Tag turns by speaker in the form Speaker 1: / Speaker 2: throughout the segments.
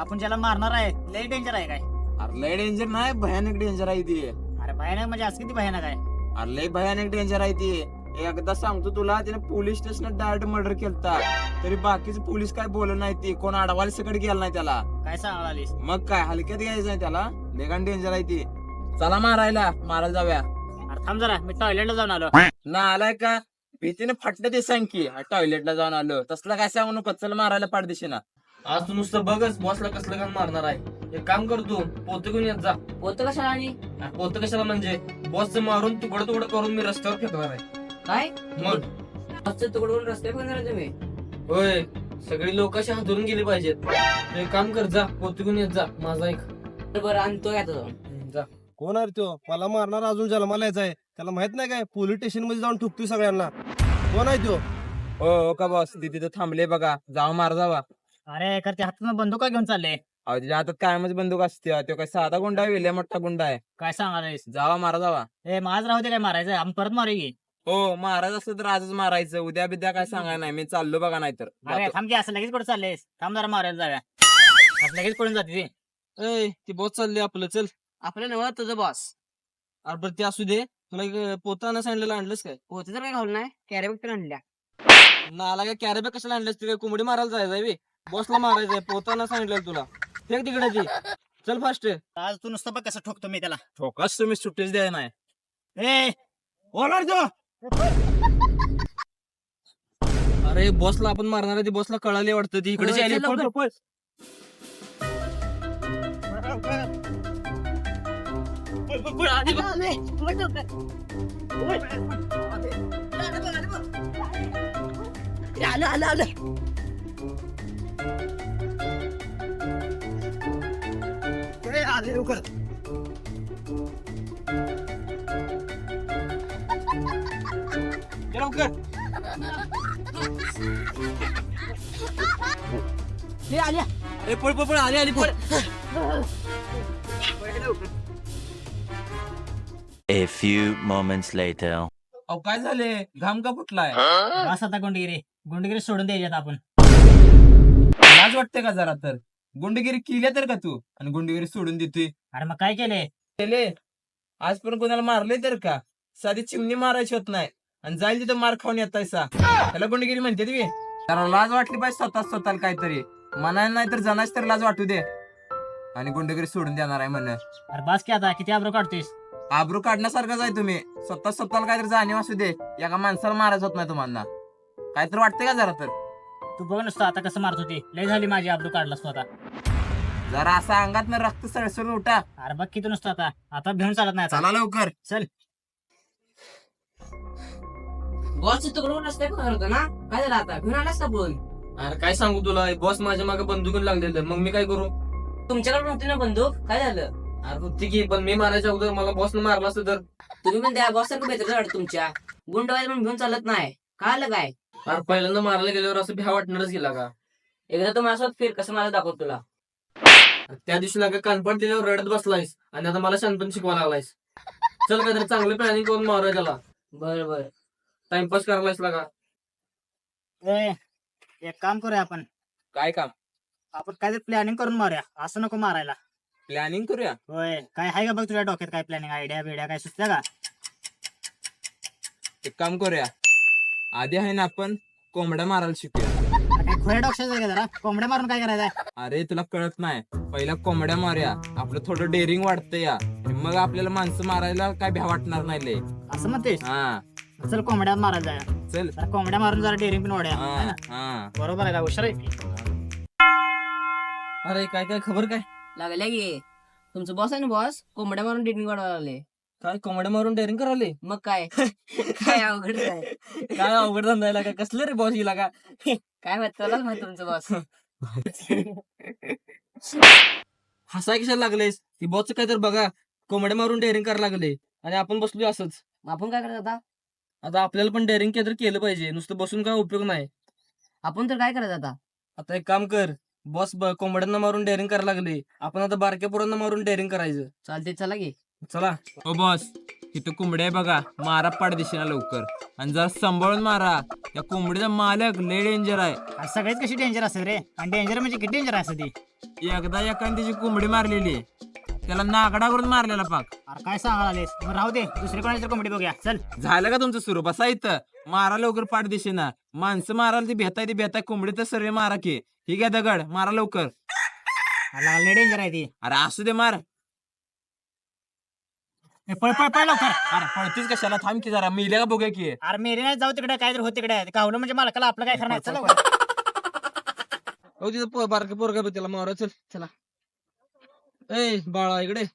Speaker 1: आपण ज्याला मारणार आहे लय डेंजर आहे काय?
Speaker 2: अरे लय डेंजर नाही, भयानक डेंजर आहे ती.
Speaker 1: अरे भयानक म्हणजे असं किती भयानक आहे?
Speaker 2: अरे लय भयानक डेंजर आहे ती. एकदा सांगतो तुला, तिने पोलीस स्टेशनात डायरेक्ट मर्डर केलता, तरी बाकीचे पोलीस काय बोलत नाही, ती कोण अडवायला सकट गेला नाही त्याला.
Speaker 1: काय सांगालीस?
Speaker 2: मग काय हलक्यात घ्यायचं नाही त्याला, लेगान डेंजर आहे ती. चला मारायला जाऊया.
Speaker 1: अरे थांब जरा, मी टॉयलेटला जाऊन आलो.
Speaker 2: ना आलाय का? भीतीने फाटलं ते सांग की टॉयलेटला जाऊन आलो, तसला काय सांगू नको. चल मारायला पाडदेशी ना.
Speaker 3: आज तू नुसतं बघच बॉसला कसलं काम मारणार आहे. एक काम कर तू, पोतं घेऊन येत जा.
Speaker 4: पोतं कशाला आणि
Speaker 3: पोतं कशाला म्हणजे बॉसचं मारून तुकडं तुकडं करून मी रस्त्यावर फेकणार आहे.
Speaker 4: काय
Speaker 3: मग
Speaker 4: तुकडं करून रस्त्यावर फेकणार तुम्ही?
Speaker 3: होय, सगळी लोक अशी हादरून गेली पाहिजेत. तू एक काम कर, जा पोतं घेऊन येत जा. माझा एक
Speaker 4: बरं आणतोय आता जाऊन.
Speaker 3: जा.
Speaker 5: कोण आहे तो? मला मारणार अजून जन्माला यायचा आहे. त्याला माहित नाही काय पोलीस स्टेशन मध्ये जाऊन ठुकतोय सगळ्यांना. कोण आहे तो?
Speaker 2: हो का बॉस, तिथे थांबले बघा, जावा मार जावा.
Speaker 1: अरे कर त्या हातात बंदूक घेऊन चालले.
Speaker 2: अहो तिच्या हातात कायमच बंदूक असते, तो काय साधा गुंडा आहे, लय मोठा गुंडा आहे.
Speaker 1: काय सांगालीस?
Speaker 2: जावा मारा जावा.
Speaker 1: ए माझ राहू दे, काय मारायचं आपण परत मारू की.
Speaker 2: हो महाराज असलं तर आजच मारायचं, उद्या बिद्या काय सांगाय नाही, मी चाललो बघा. नाहीतर
Speaker 1: अरे थांब की, असं लगेच कुठे चाललेस? थांब जरा मारायला जाऊया. असं लगेच पडून जाते ती.
Speaker 3: ए ती बॉस चालली आपलं, चल.
Speaker 4: आपल्या नवा तुझं बॉस.
Speaker 3: अरे बरं ते असू दे, तुला एक पोतं आणा सांगितलेलं, आणलंस काय?
Speaker 4: पोतं तर काय घालून नाही, कॅरी बॅग तर आणल्या.
Speaker 3: नाला काय कॅरेबॅग कशाला आणलंस? ते काय कोंबडी मारायला जायचंय? बॉसला मारायचंय, पोतं आणा सांगितलेलं तुला. फेक तिकडे ती, चल फास्ट.
Speaker 1: आज तू नुसतं बघ कसं ठोकतो मी त्याला.
Speaker 2: ठोकाच तुम्ही सुट्टीच द्याय नाही.
Speaker 1: ए ओलार जो.
Speaker 3: अरे बॉसला आपण मारणार आहे, ती बॉसला कळाली वाटतं, ती इकडे
Speaker 4: होय,
Speaker 3: आली.
Speaker 4: चल लवकर.
Speaker 3: पळ.
Speaker 4: आलं आलं आलं.
Speaker 3: ये लवकर.
Speaker 4: हे आल्या.
Speaker 3: ए, पळ पळ पळ, आली पळ.
Speaker 6: A few moments later.
Speaker 2: अहो काय झाले, घाम का फुटलाय?
Speaker 1: बस आता गुंडगिरी सोडून द्यायच्यात आपण.
Speaker 2: लाज वाटते का जरा तर? गुंडगिरी केली तर का तू, आणि गुंडगिरी सोडून देतोय?
Speaker 1: अरे मग काय केले?
Speaker 2: केले. आजपर्यंत कोणाला मारले तर का? साधी चिमणी मारायची होत नाही, आणि जाईल तिथं मार खाऊन येतायसा, त्याला गुंडगिरी म्हणते तुम्ही? जरा लाज वाटली पाहिजे स्वतःला काहीतरी म्हणायला, नाही तर जनाच तर लाज वाटू दे. आणि गुंडगिरी सोडून देणार आहे म्हण.
Speaker 1: अरे बस की आता, किती आब्रो काढतोयस?
Speaker 2: आबरू काढण्यासारखंच आहे तुम्ही. स्वतःला काहीतरी जाणीव असू दे. एका माणसाला मारायचं होत नाही तुम्हाला, काहीतरी वाटतंय का जरा तर?
Speaker 1: तू बघ नुसतं आता कसं मारत होती. लय झाली माझी आब्रो काढलास तू आता.
Speaker 2: जरा असा अंगात रक्त सळसळून उठा.
Speaker 1: अरे बघ किती नुसतं आता घेऊन चालत नाही आता.
Speaker 2: चला लवकर.
Speaker 1: चल.
Speaker 4: बॉस तुकडून रस्त्यावर फेकणार होता ना, काय झालं आता? घेऊन आलास का बोल?
Speaker 3: अरे काय सांगू तुला, बॉस माझ्या मागे बंदुकीन लागलेलं, मग मी काय करू?
Speaker 4: तुमच्याकडे नव्हती ना बंदूक, काय झालं?
Speaker 3: अरे होती की, पण मी मारायच्या अगोदर मला बॉसनं मारलं असतं तर.
Speaker 4: तुम्ही पण त्या बॉस सारखं बेतर वाटत तुमच्या. गुंडवायला पण घेऊन चालत नाही, काय आलं काय?
Speaker 3: अरे पहिल्यांदा मारायला गेल्यावर असं भ्या वाटणारच गेला का?
Speaker 4: एकदा तू माझ्यासोबत फिर, कसं मला दाखवत तुला.
Speaker 3: अरे त्या दिवशी लागा कानपड दिल्यावर रडत बसलायस, आणि आता मला शांतपणे शिकवा लागलायस. चल काहीतरी चांगलं प्लॅनिंग करून मारूया त्याला.
Speaker 4: बरं बरं.
Speaker 3: टाइमपास करायलायस लागा.
Speaker 1: ए एक काम करूया आपण
Speaker 2: काय काम?
Speaker 1: काहीतरी प्लॅनिंग करून मारूया, असं नको मारायला.
Speaker 2: प्लॅनिंग करूया.
Speaker 1: होय, काय आहे का बघ तुझ्या डोक्यात? काय प्लॅनिंग, आयडिया बिड्या काय सुचल्या का?
Speaker 2: एक काम करूया, आधी आहे ना आपण कोंबड्या मारायला शिकूया.
Speaker 1: अरे काय खोया डोक्याचं का जरा? कोंबड्या मारून काय करायचं?
Speaker 2: अरे तुला कळत नाही, पहिला कोंबड्या मारूया, आपलं थोडं डेअरिंग वाटतं या, आणि मग आपल्याला माणसं मारायला काय भ्या वाटणार नाही लय.
Speaker 1: असं म्हणतेस?
Speaker 2: हा
Speaker 1: चल कोंबड्या मारायला जाऊया.
Speaker 2: चल.
Speaker 1: जरा कोंबड्या मारून जरा डेअरिंग पण वाढूया.
Speaker 2: हा
Speaker 1: है ना?
Speaker 2: हा.
Speaker 1: बरोबर आहे का? हुशार आहे की.
Speaker 3: अरे काय काय खबर काय?
Speaker 4: लागल्या की तुमचं बॉस आहे ना, बॉस कोंबड्या मारून डेटिंग वाढवायला लागले.
Speaker 3: काय कोंबड्या मारून डेअरिंग करायले?
Speaker 4: मग काय? काय अवघड आहे?
Speaker 3: काय अवघड धंदा का? कसलं रे बॉस गेला का?
Speaker 4: काय माहित, तुलाच माहित तुमचं बॉस.
Speaker 3: हसाय कशाला लागलेस? ती बॉस काय तर बघा, कोंबड्या मारून डेअरिंग करायला लागले, आणि आपण बसलो असंच.
Speaker 4: आपण काय करायचं आता?
Speaker 3: आता आपल्याला पण डेअरिंग केलं पाहिजे, नुसतं बसून काय उपयोग नाही.
Speaker 4: आपण तर काय करायचं आता?
Speaker 3: आता एक काम कर, बॉस कोंबड्यांना मारून डेअरिंग करायला लागले, आपण आता बारक्या पोरांना मारून डेअरिंग करायचं.
Speaker 4: चालते, चला की.
Speaker 3: चला.
Speaker 2: हो बॉस, इथं कोंबड्या आहे बघा, मारा पाडदेशीना लवकर, आणि जरा सांभाळून मारा. त्या कोंबडीचा मालक लय डेंजर आहे.
Speaker 1: आणि सगळेच कशी डेंजर असेल रे? आणि डेंजर म्हणजे किती डेंजर असते ती?
Speaker 2: एकदा एखाद्याची कोंबडी मारलेली त्याला नागडा करून मारलेला पाक.
Speaker 1: अरे काय सांगायला आलेस मग राहू दे दुसरी कोणाची कोंबडी बघूया चल.
Speaker 2: झालं का तुमचं सुरू बसा इथं मारा लवकर पाठ दिशेना. माणसं मारायला ती भेताय कोंबडी तर सर्व मारा की. ही घ्या दगड मारा लवकर.
Speaker 1: लय डेंजर आहे ती.
Speaker 2: अरे असू दे मार.
Speaker 1: पळ पळ पळ लवकर.
Speaker 2: अरे पळतीस कशाला थांब की जरा मिल्या का बघूया की.
Speaker 1: अरे मेरे नाही जाऊ तिकडे काय तर हो तिकडे गावलं म्हणजे मालकाला आपलं काय करणार. चल लवकर.
Speaker 3: हो तिथं बारके पोरगा बघ त्याला मारा चल चला. ए बाळा इकडे.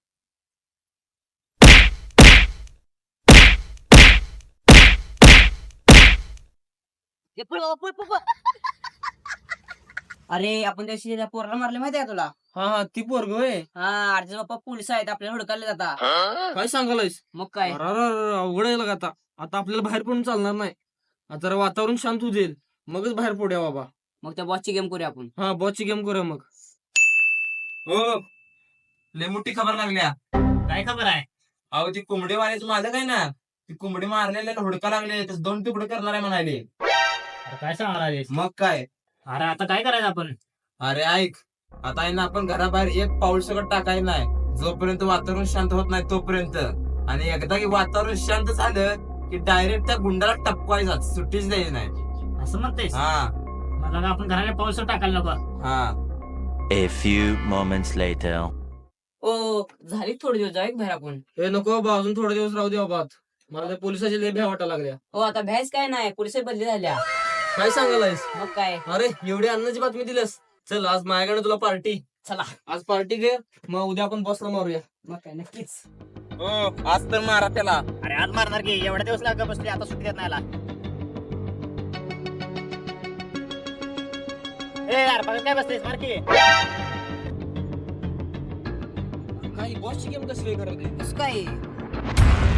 Speaker 4: अरे आपण त्या दिवशी त्या पोराला मारले माहितीये का तुला?
Speaker 3: हा हा ती पोरग होय.
Speaker 4: हा अर्जुन बाप्पा पोलीस आहेत आपल्याला हुडकायला जाता.
Speaker 3: काय सांगायलायस.
Speaker 4: मग काय
Speaker 3: अवघड आहे लगा आता. आता आपल्याला बाहेर पडून चालणार नाही. आता जरा वातावरण शांत होऊ देईल मगच बाहेर पडूया बाबा.
Speaker 4: मग त्या बॉसची गेम करूया आपण.
Speaker 3: हा बॉसची गेम करूया मग.
Speaker 2: हो लय मोठी खबर लागल्या.
Speaker 1: काय खबर आहे.
Speaker 2: अहो ती कोंबडी मारायचं माझं काय ना. ती कोंबडी मारलेल्या हुडका लागले 2 तुकडे करणार आहे म्हणाले.
Speaker 1: अरे काय सांगायला आलेस.
Speaker 2: मग काय.
Speaker 1: अरे आता काय करायचं आपण.
Speaker 2: अरे ऐक आता आहे ना आपण घराबाहेर एक पाऊल सगळं टाकायचं नाही जोपर्यंत वातावरण शांत होत नाही तोपर्यंत. आणि एकदा की वातावरण शांत झालं की डायरेक्ट त्या गुंडाला टपवायचा सुट्टीच द्यायची नाही.
Speaker 1: असं म्हणतेस.
Speaker 2: हा
Speaker 1: मला आपण घराने पाऊस टाकायला नको.
Speaker 2: हा.
Speaker 6: A few moments later.
Speaker 4: ओ झाली थोडे दिवस जाऊ बाहेर आपण.
Speaker 3: हे नको बाबा अजून थोडे दिवस राहू दे बाबा. मला त्या पोलिसाची लय भ्या वाटायला लागल्या.
Speaker 4: हो आता भ्यास काय नाही पोलिस बदली झाल्या.
Speaker 3: काय सांगायलायस.
Speaker 4: मग काय.
Speaker 3: अरे एवढी अन्नाची बातमी दिलीस. चल आज माझ्याकडे तुला पार्टी.
Speaker 4: चला
Speaker 3: आज पार्टी घे मग उद्या आपण बसला मारूया.
Speaker 4: मग काय नक्कीच.
Speaker 2: हो आज तर मारा त्याला.
Speaker 1: अरे आज मारणार की एवढ्या दिवस लागा बसली आता सुट्टी देत नाही याला. ए यार बघ काय बसतेस मार की.
Speaker 3: काय बॉसची गेम कसली करायची.
Speaker 4: कसं काय